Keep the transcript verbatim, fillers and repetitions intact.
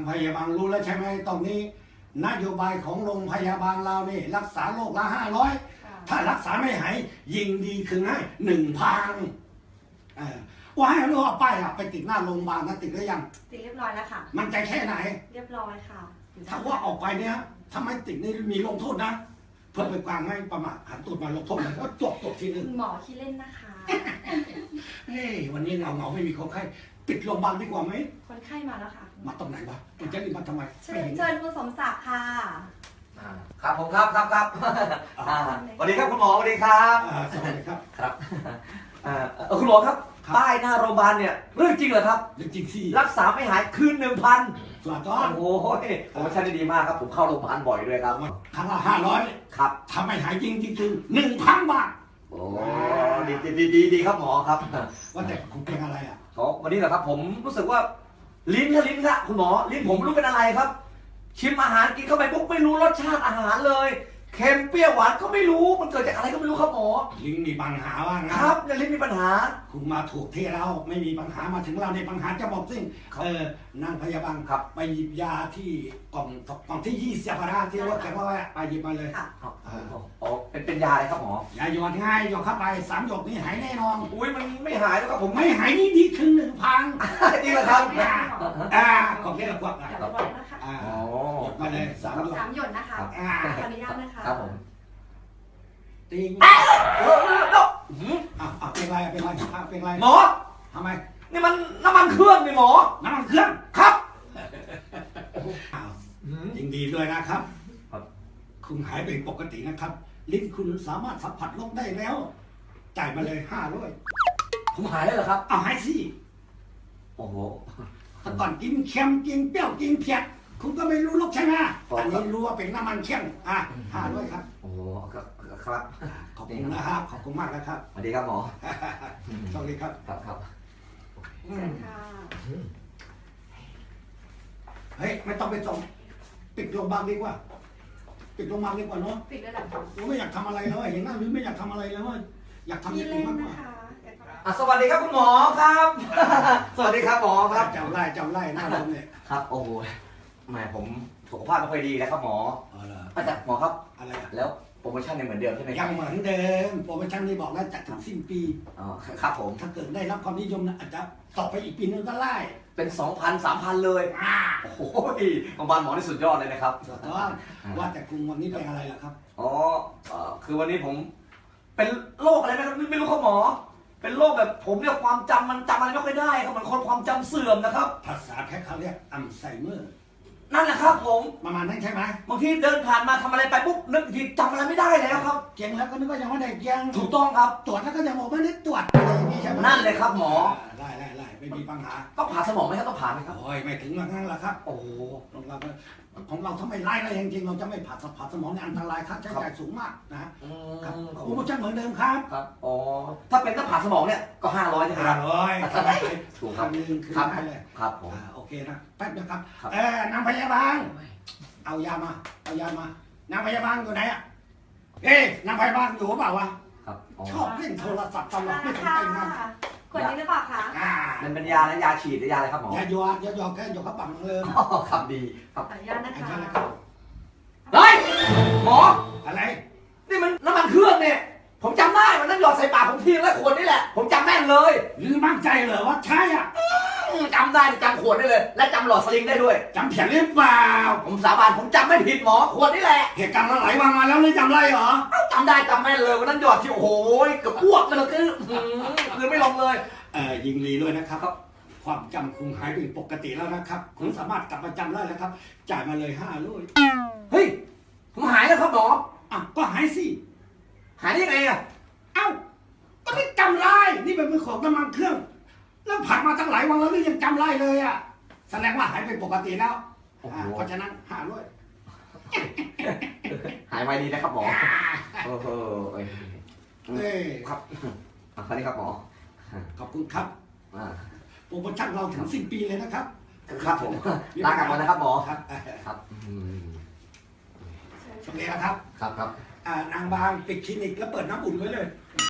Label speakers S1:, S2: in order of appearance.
S1: างพยาบาลรู้แล้วใช่ไหมตอนนี้นโยบายของโรงพยาบาลเราเนี่ยรักษาโรคละห้าร้อยถ้ารักษาไม่หายยิงดีคือให้หนึ่งพันว่าให้รู้ว่าป้ายอะไปติดหน้าโรงพยาบาลนะติดหรือยัง
S2: ติดเรียบร้อยแล้วค่ะ
S1: มันใจแค่ไหน
S2: เรียบร้อยค่ะ
S1: ถ้าว่าออกไปเนี่ยถ้าไม่ติดนี่มีลงโทษนะเพื่อเป็นการไม่ประมาทหันตูดมาลงโทษแล้วก็จบจบทีนึง
S2: หมอขี้เล่นนะคะ
S1: เฮ้ยวันนี้เงาเงาไม่มีคนไข้ปิดโรงพยาบาลดีกว่าไหม
S2: คนไข้มาแล้วค่ะ
S1: มาตรงไหนวะมันจะรีบมาทำไม
S2: เชิญเชิญคุณสมศักดิ์ค่ะ
S3: ครับผมครับครับครับสวัสดีครับคุณหมอสวัสดีครับ
S1: สวัสดีครับ
S3: ครับคุณหมอครับป้ายหน้าโรงพยาบาลเนี่ยเรื่องจริงเหรอครับ
S1: เรื่องจริงสิ
S3: รักษาไม่หายคืนหนึ่งพัน
S1: สุดยอด
S3: โอ้โหโปรโมชั่นดีมากครับผมเข้าโรงพยาบาลบ่อยด้วยครับ
S1: ครั้งละห้าร้อย
S3: ครับ
S1: ทำไม่หายจริงจริงคือหนึ่งพันบาท
S3: โอ้ดีดีดีดีครับหมอครับ
S1: ว่าแต่คุณเป็นอะไรอ่ะ
S3: อ๋อวันนี้เหรอครับผมรู้สึกว่าลิ้นค่ะลิ้นค่ะคุณหมอลิ้นผมรู้เป็นอะไรครับชิมอาหารกินเข้าไปปุ๊บไม่รู้รสชาติอาหารเลยเค็มเปรี้ยวหวานก็ไม่รู้มันเกิดจากอะไรก็ไม่รู้ครับหมอ
S1: ลิ้นมีปัญหาว่านะครับ
S3: เนี่ยลิ้นมีปัญหา
S1: คุณมาถูกที่เราไม่มีปัญหามาถึงเราในปัญหาจะบอกซิ่งเออนางพยาบาลครับไปหยิบยาที่กล่องกล่องที่ยี่สิบาทที่รถแกว่าไปหยิบมาเลย
S3: อ๋อเป็นเป็นยาอะไรครับหมอย
S1: าหยอดง่ายหยอดเข้าไปสามหยดนี่หายแน่นอน
S3: อุ้ยมันไม่หายแล้วครับผม
S1: ไม่หายนี่ดีขึ้นหนึ่งพัน
S3: จริงเหรอครับ
S1: อ่าขอบคุณครับ
S2: เดี๋ยวรอนะคะ
S1: อ่าหยดมาเลยสามหยด
S2: สามหยดนะคะขออนุญาตนะคะ
S3: ครับผม
S1: ติง
S3: อ่ะ
S1: อ่ะเป็นไรเป็นไรเป็นไร
S3: หมอ
S1: ทำไม
S3: นี่มันน้ำมันเครื่องนี่หมอ
S1: น้ำมันเครื่อง
S3: ครับ
S1: ยินดีด้วยนะครับคุณหายเป็นปกตินะครับลิ้นคุณสามารถสัมผัสโรคได้แล้วจ่ายมาเลยห้าร้อย
S3: ผมหายแล้วเหรอครับ
S1: เอาหายสิ
S3: โอ้โห
S1: แต่ก่อนกินเค็มกินเปรี้ยวกินเผ็ดคุณก็ไม่รู้โรคใช่ไหมอันนี้รู้ว่าเป็นน้ำมันเค็มอ่ะห้าร้อยครับ
S3: โอ้ครับครับ
S1: ขอบคุณนะครับขอบคุณมากนะครับ
S3: สวัสดีครับหมอ
S1: สวัสดีครับ
S3: ครับครับ
S2: เชิญค่ะ
S1: เฮ้ยไม่ต้องไปส่งปิดโรงพยาบาลดีกว่าปิดโรงพยาบาลดีกว่าเนาะ
S2: ปิดแล้วหรอ
S1: ผมไม่อยากทำอะไรแล้วเห็นหน้าหรือไม่อยากทำอะไรแล้วอยากทำอย่างอื่นมากกว่า
S3: สวัสดีครับคุณหมอครับสวัสดีครับหมอครับ
S1: จำไล่จำไล่หน้าเราเนี่ย
S3: ครับโอ้โหแหมผมสุขภาพไม่ค่อยดีแล้วครับหมออาจารย์หมอครับ
S1: อะไร
S3: แล้วโปรโมชั่นยังเหมือนเดิมใช่ไหม
S1: ยังเหมือนเดิมโปรโมชั่นที่บอกแล้วจัดถึงสิ้นปี
S3: อ๋อครับผม
S1: ถ้าเกิดได้รับความนิยมนะอาจจะต่อไปอีกปีนึงก็ไล่
S3: เป็นสองพันสามพันเลยโอ้โหโรงพยาบาลหมอที่สุดยอดเลยนะครับ
S1: สุดยอดว่าแต่คุณวันนี้เป็นอะไรล่ะครับ
S3: อ๋อคือวันนี้ผมเป็นโรคอะไรนะครับไม่รู้ครับหมอเป็นโรคแบบผมเนี่ยความจำมันจำอะไรไม่ค่อยได้ครับมันคนความจำเสื่อมนะครับ
S1: ภาษาแพทย์เขาเรียกอัลไซเมอร์
S3: นั่นแหละครับผม
S1: ประมาณนั้นใช่ไหม
S3: บางทีเดินผ่านมาทำอะไรไปปุ๊บนึกทีจำอะไรไม่ได้แล้วครับ
S1: เก่งแล้วก็นึกว่ายังไม่ได้เก่ง
S3: ถูกต้องครับ
S1: ตรวจแล้วก็ยังบอกไม่ได้ตรวจอะไรอย่างนี้ใช่ไหม
S3: นั่นเลยครับหมอ
S1: ได้ได้ได้ไม่มีปัญหา
S3: ต้องผ่าสมองไหมครับต้องผ่าไหมครับ
S1: โอ้ยไม่ถึงงั้นหรอกครับ
S3: โอ้
S1: ของเราของเราถ้าไม่ไล่อะไรจริงๆเราจะไม่ผ่าผ่าสมองเนี่ยอันตรายค่าใช้จ่ายสูงมากนะครับโปรโมชั่นเหมือนเดิมครับ
S3: ครับอ๋อถ้าเป็นต้องผ่าสมองเนี่ยก็ห้าร้อยใช่ไหมค
S1: รั
S3: บ
S1: ห้าร้อย
S3: ถูกครับ
S1: นึงคือได้เลย
S3: ครับผม
S1: โอเคนะแป๊บนะครับเออนางพยาบาลเอายามาเอายามานางพยาบาลอยู่ไหนอ่ะเอ๊ะนางพยาบาลอยู่เปล่าวะ
S3: ครับ
S1: ชอบเล่นโทรศัพท์ตลอดไม่สนใจงาน
S2: ขวดนี้หรือเปล่าคะ
S3: มันเป็นยาและยาฉีดหรือยาอะไรครับหมอย
S1: าหยอดยาหยอดแค่หยอดเขาปังเลย
S3: ครับดีครับ
S2: ขออนุญาตนะคะ
S3: เฮ้ยหมอ
S1: อะไร
S3: นี่มันน้ำมันเครื่องเนี่ยผมจำได้มันนั่งหยอดใส่ปากผมทีละขวดนี่แหละผมจำแม่นเลย
S1: หรือมั่นใจเหรอว่าใช่อ่ะ
S3: จำได้จำขวดได้เลยและจำหลอดสลิงได้ด้วย
S1: จำเขียนหรือเปล่า
S3: ผมสาบานผมจำไม่ผิดหมอขวดนี่แหละ
S1: เหตุการณ์มาหลายวันมาแล้วนี่จำได้เหรอ
S3: จำได้จำแม่นเลยวันนั้นหยอดที่โอ้โหเกือบอ้วกเลยคือคือไม่ลงเลย
S1: เออยิงดีด้วยนะครับความจำคุณหายเป็นปกติแล้วนะครับคุณสามารถกลับมาจำได้แล้วครับจ่ายมาเลยห้าร้อย
S3: เฮ้ยผมหายแล้วครับหมอ
S1: อ่ะก็หายสิ
S3: หายได้ยังไงอ่ะ
S1: เอ้าก็ไม่จำได้นี่เป็นของน้ำมันเครื่องแล้วผ่านมาตั้งหลายวันแล้วนี่ยังจำได้เลยอ่ะแสดงว่าหายเป็นปกติแล้วเพราะฉะนั้นหาด้วย
S3: หายไวดีนะครับหมอโอ้โห
S1: เอ้
S3: ครับคราวนี้ครับหมอ
S1: ขอบคุณครับโปรโมชั่นเราถึงสิ้นปีเลยนะครับ
S3: ครับผมลากลับมานะครับหมอ
S1: ครับ
S3: ครับ
S1: โอเคนะครับ
S3: ครับครับ
S1: นางบางปิดคลินิกแล้วเปิดน้ำอุ่นไว้เลย